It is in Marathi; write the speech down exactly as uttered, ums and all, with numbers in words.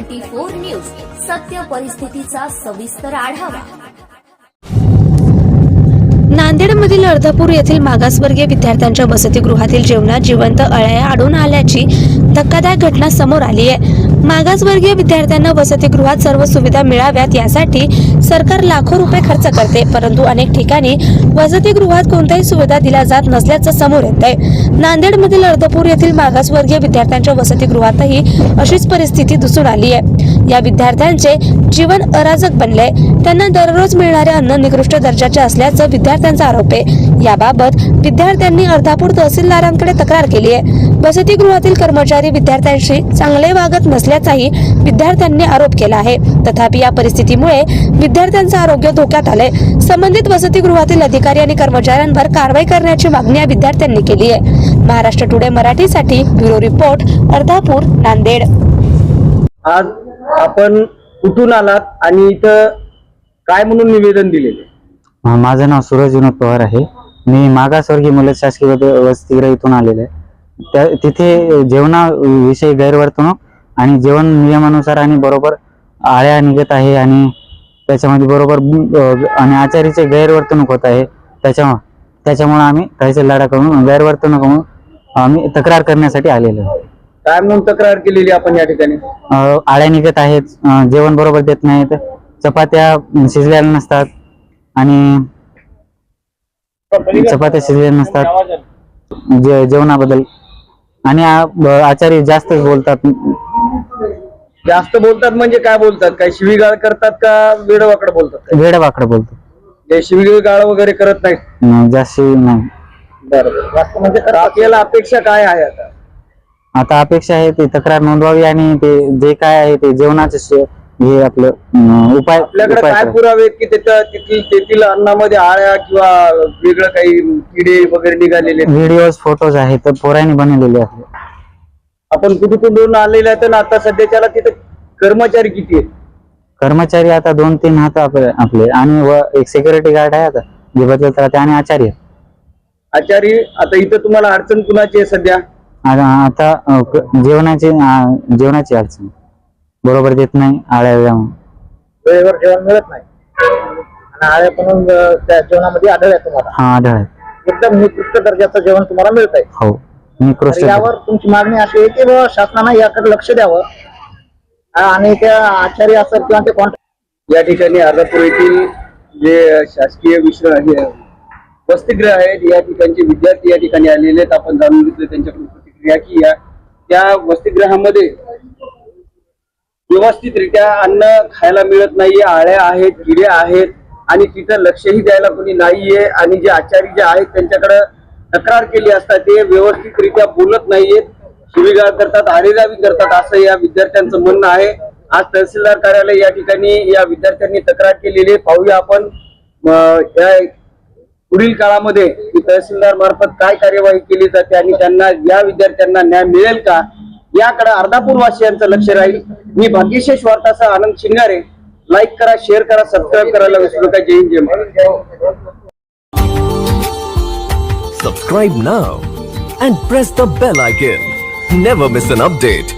ट्वेंटी फोर न्यूज, सत्य परिस्थितीचा सविस्तर आढावा। नांदेडमधील अर्धापूर येथील मागासवर्गीय विद्यार्थ्यांच्या वसतिगृहातील जेवणात जिवंत अळ्या आढळून आल्याची धक्कादायक घटना समोर आली आहे। मागासवर्गीय विद्यार्थ्यांना वसतिगृहात सर्व सुविधा मिळाव्यात यासाठी सरकार लाखो रुपये खर्च करते, परंतु अनेक ठिकाणी वसतिगृहात कोणत्याही सुविधा दिल्या जात नसल्याचं समोर येत आहे। नांदेडमधील अर्धापूर येथील मागासवर्गीय विद्यार्थ्यांच्या वसतिगृहातही अशीच परिस्थिती दिसून आली आहे। या विद्यार्थ्यांचे जीवन अराजक बनले, त्यांना दररोज मिळणारे अन्न निकृष्ट दर्जाचे असल्याचं विद्यार्थ्यांचा आरोप आहे। याबाबत विद्यार्थ्यांनी अर्धापूर तहसीलदारांकडे तक्रार केली आहे। वसतिगृहातील कर्मचारी विद्यार्थ्यांशी चांगले वागत नसल्याचाही विद्यार्थ्यांनी आरोप केला आहे। तथापि या परिस्थितीमुळे विद्यार्थ्यांचे आरोग्य धोक्यात आले। संबंधित वसतिगृहातील अधिकारी आणि कर्मचाऱ्यांवर कारवाई करण्याची मागणी या विद्यार्थ्यांनी केली आहे। महाराष्ट्र टुडे मराठीसाठी ब्युरो रिपोर्ट, अर्धापूर, नांदेड। आज आपण कुठून आलात आणि इथं काय म्हणून निवेदन दिलेले? माझं नाव सूरज विनोद पवार आहे। मी मागासवर्गीय मुलं शासकीय वसतिगृह इथून आलेले आहे। त्या तिथे जेवणाविषयी गैरवर्तणूक आणि जेवण नियमानुसार आणि बरोबर आळ्या निघत आहे आणि त्याच्यामध्ये बरोबर आणि आचारीचे गैरवर्तणूक होत आहे। त्याच्या त्याच्यामुळे आम्ही तहसीलदाराकडून गैरवर्तणूक म्हणून आम्ही तक्रार करण्यासाठी आलेलो आहे। काय म्हणून तक्रार केलेली आपण या ठिकाणी? आळ्या निघत आहेत, जेवण बरोबर देत नाहीत, चपात्या शिजलेल्या नसतात आणि चपात्या शिजलेल्या नसतात जे जेवणाबद्दल आणि आचारी जास्त बोलतात। जास्त बोलतात म्हणजे काय बोलतात? काय शिवीगाळ करतात का वेडवाकड बोलतात? वेडवाकड बोलतात, ते शिवीगाळ वगैरे करत नाही, जास्त नाही। बरोबर, म्हणजे आपल्याला अपेक्षा काय आहे आता? आता अपेक्षा आहे ती तक्रार नोंदवावी आणि ते जे काय आहे ते जेवणाचे हे आपलं उपाय आपल्याकडे काय पुरावे आहेत की तिथं तिथील तेथील अन्नामध्ये आळ्या किंवा वेगळं काही किडे वगैरे निघालेले? व्हिडिओज, फोटोज आहेत, तर पोरांनी बनवलेले आहेत। आपण कुठे कुठून आलेले आहेत ना आता सध्याच्याला तिथे कर्मचारी किती आहेत? कर्मचारी आता दोन तीन आहेत आपले आणि व एक सिक्युरिटी गार्ड आहे आता जे बदलत राहते आणि आचार्य आचारी आता इथं तुम्हाला अडचण कुणाची आहे सध्या? आता जेवणाची जेवणाची अडचण बरोबर देत नाही, आळ्या वेळेवर जेवण मिळत नाही आणि आळ्या पण त्या जेवणामध्ये आढळल्या तुम्हाला? हा, आढळ एकदम निकृष्ट दर्जाचं जेवण तुम्हाला मिळत आहे? हो, निकृष्ट। यावर तुमची मागणी अशी आहे की शासनाने याकडे लक्ष द्यावं आणि त्या आचार्य असेल किंवा ते कॉन्ट्रॅक्ट या ठिकाणी अर्धापूर येथील जे शासकीय विश्राम वसतिगृह आहेत या ठिकाणचे विद्यार्थी या ठिकाणी आलेले आहेत। आपण जाणून घेतले त्यांच्याकडून प्रतिक्रिया की या त्या वसतिगृहामध्ये व्यवस्थितरित्या अन्न खायला मिळत नाहीये, आळ्या आहेत, किडे आहेत आणि तिथं लक्षही द्यायला कोणी नाहीये आणि जे आचारी जे आहेत त्यांच्याकडे तक्रार केली असता ते व्यवस्थितरित्या बोलत नाहीयेत, शिवीगाळ करतात, आरेरावी करतात असं या विद्यार्थ्यांचं म्हणणं आहे। आज तहसीलदार कार्यालय या ठिकाणी या विद्यार्थ्यांनी तक्रार केलेली आहे। पाहूया आपण या पुढील काळामध्ये तहसीलदार मार्फत काय कार्यवाही केली जाते आणि त्यांना या विद्यार्थ्यांना न्याय मिळेल का याकडे अर्धापूर वासियांचं लक्ष राहील। मी भाग्यशेष वार्तासह आनंद शिंगारे। लाईक करा, शेअर करा, सबस्क्राईब करायला विसरू नका। जय हिंद, जय Maharashtra. Subscribe now and press the bell icon. Never miss an update.